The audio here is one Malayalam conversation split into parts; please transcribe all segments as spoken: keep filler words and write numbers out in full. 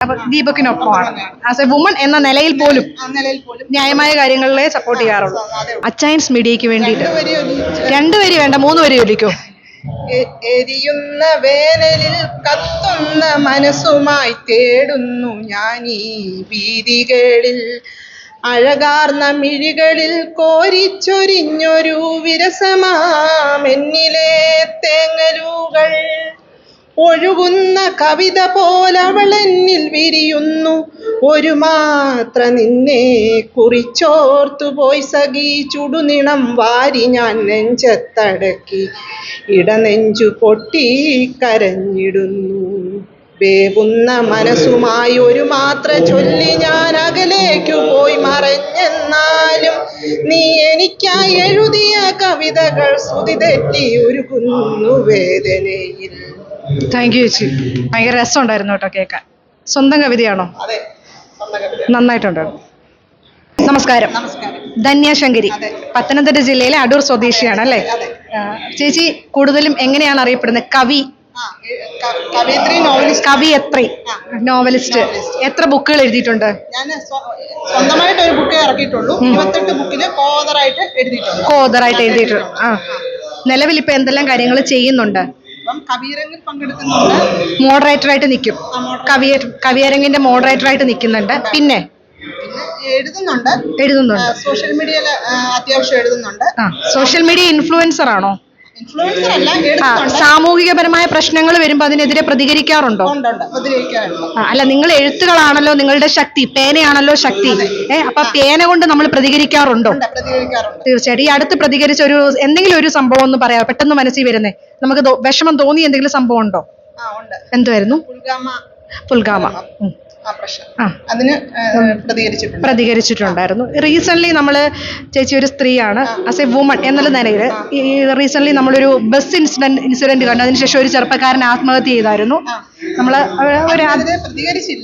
അപ്പൊ ദീപക്കിനൊപ്പമാണ് ആസ് എ വുമൺ എന്ന നിലയിൽ പോലും ന്യായമായ കാര്യങ്ങളിലെ സപ്പോർട്ട് ചെയ്യാറുള്ളൂ. അച്ചയൻസ് മീഡിയക്ക് വേണ്ടിയിട്ട് രണ്ടുപേര് വേണ്ട മൂന്ന് പേര് ചോദിക്കോ? എരിയുന്ന വേനലിൽ കത്തുന്ന മനസ്സുമായി തേടുന്നു ഞാൻ ഈ വീതികളിൽ, അഴകാർന്ന മിഴികളിൽ കോരിച്ചൊരിഞ്ഞൊരു വിരസമാമെന്നിലെ തേങ്ങലുകൾ, ഒഴുകുന്ന കവിത പോലവളെന്നിൽ വിരിയുന്നു, ഒരു മാത്ര നിന്നെ കുറിച്ചോർത്തു പോയി സഖി, ചുടുനിണം വാരി ഞാൻ നെഞ്ചത്തടക്കി ഇടനെഞ്ചു പൊട്ടി കരഞ്ഞിടുന്നു. വേവുന്ന മനസ്സുമായി ഒരു മാത്ര ചൊല്ലി ഞാൻ അകലേക്കു പോയി മറഞ്ഞെന്നാലും, നീ എനിക്കായി എഴുതിയ കവിതകൾ ശ്രുതി തെറ്റി ഉരുകുന്നു വേദനയിൽ. താങ്ക് യു ചേച്ചി, ഭയങ്കര രസമുണ്ടായിരുന്നു കേട്ടോ കേൾക്കാൻ. സ്വന്തം കവിതയാണോ? നന്നായിട്ടുണ്ടായിരുന്നു. നമസ്കാരം. ധന്യ ശങ്കരി, പത്തനംതിട്ട ജില്ലയിലെ അടൂർ സ്വദേശിയാണ് അല്ലേ? ചേച്ചി കൂടുതലും എങ്ങനെയാണ് അറിയപ്പെടുന്നത്? കവി, കവിയത്രി, നോവലിസ്റ്റ്. എത്ര ബുക്കുകൾ എഴുതിയിട്ടുണ്ട്? ഞാൻ സ്വന്തമായിട്ട് ഒരു ബുക്കേ ഇറക്കിയിട്ടുള്ളൂ. ഇരുപത്തെട്ട് ബുക്കില് കോതറായിട്ട് എഴുതിയിട്ടുണ്ട്. കോതറായിട്ട് എഴുതിയിട്ടുണ്ട്. ആ, നിലവിൽ ഇപ്പൊ എന്തെല്ലാം കാര്യങ്ങൾ ചെയ്യുന്നുണ്ട്? കവിയരങ്ങിൽ പങ്കെടുക്കുന്നുണ്ട്. മോഡറേറ്ററായിട്ട് നിൽക്കും. കവിയ കവിയരങ്ങിന്റെ മോഡറേറ്ററായിട്ട് നിൽക്കുന്നുണ്ട്. പിന്നെ എഴുതുന്നുണ്ട്. എഴുതുന്നുണ്ട് സോഷ്യൽ മീഡിയയിൽ അത്യാവശ്യം എഴുതുന്നുണ്ട്. ആ, സോഷ്യൽ മീഡിയ ഇൻഫ്ലുവൻസർ ആണോ? ഇൻഫ്ലുവൻസർ അല്ല, സാമൂഹികപരമായ പ്രശ്നങ്ങൾ വരുമ്പോൾ അതിനെതിരെ പ്രതികരിക്കാറുണ്ടോ? അല്ല, നിങ്ങൾ എഴുത്തുകളാണല്ലോ നിങ്ങളുടെ ശക്തി, പേനയാണല്ലോ ശക്തി. ഏഹ് അപ്പൊ പേന കൊണ്ട് നമ്മൾ പ്രതികരിക്കാറുണ്ടോ? തീർച്ചയായിട്ടും. ഈ അടുത്ത് പ്രതികരിച്ച ഒരു എന്തെങ്കിലും ഒരു സംഭവം ഒന്ന് പറയാം, പെട്ടെന്ന് മനസ്സിൽ വരുന്നേ. നമുക്ക് വിഷമം തോന്നി എന്തെങ്കിലും സംഭവം ഉണ്ടോ? എന്തുവായിരുന്നു? പുൽഗാമ. അതിന് പ്രതികരിച്ചിട്ടുണ്ടായിരുന്നു. റീസെന്റ് നമ്മള്, ചേച്ചി ഒരു സ്ത്രീയാണ്, ആസ് എ വുമൺ എന്നുള്ള നിലയിൽ റീസെന്റ് നമ്മളൊരു ബസ് ഇൻസിഡന്റ് ഇൻസിഡന്റ് കണ്ടു. അതിനുശേഷം ഒരു ചെറുപ്പക്കാരൻ ആത്മഹത്യ ചെയ്തായിരുന്നു. നമ്മള് പ്രതികരിച്ചില്ല.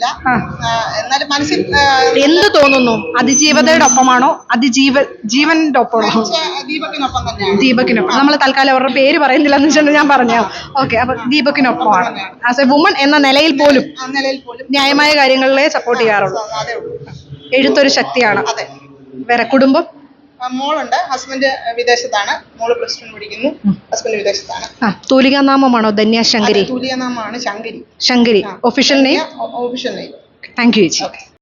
എന്ത് തോന്നുന്നു? അതിജീവതയുടെ ഒപ്പമാണോ അതിജീവ ജീവന്റെ ഒപ്പമാണോ? ദീപക്കിനൊപ്പം. നമ്മൾ തൽക്കാലം അവരുടെ പേര് പറയുന്നില്ല എന്ന് വെച്ചാൽ ഞാൻ പറഞ്ഞു. ഓക്കെ, അപ്പൊ ദീപക്കിനൊപ്പമാണ് ആസ് എ വുമൺ എന്ന നിലയിൽ പോലും ന്യായമായ കാര്യങ്ങളിലെ സപ്പോർട്ട് ചെയ്യാറുള്ളൂ. എഴുത്തൊരു ശക്തിയാണ്. വേറെ കുടുംബം? മോളുണ്ട്. ഹസ്ബൻഡ് വിദേശത്താണ്. മോള് പ്ലസ് ടു പഠിക്കുന്നു. ഹസ്ബൻഡ് വിദേശത്താണ്. ആ, തൂലികാനാമമാണോ ധന്യ ശങ്കരി? തൂലികാനാമമാണ് Shankari. Shankari official name. Official name. Thank you ചേച്ചി.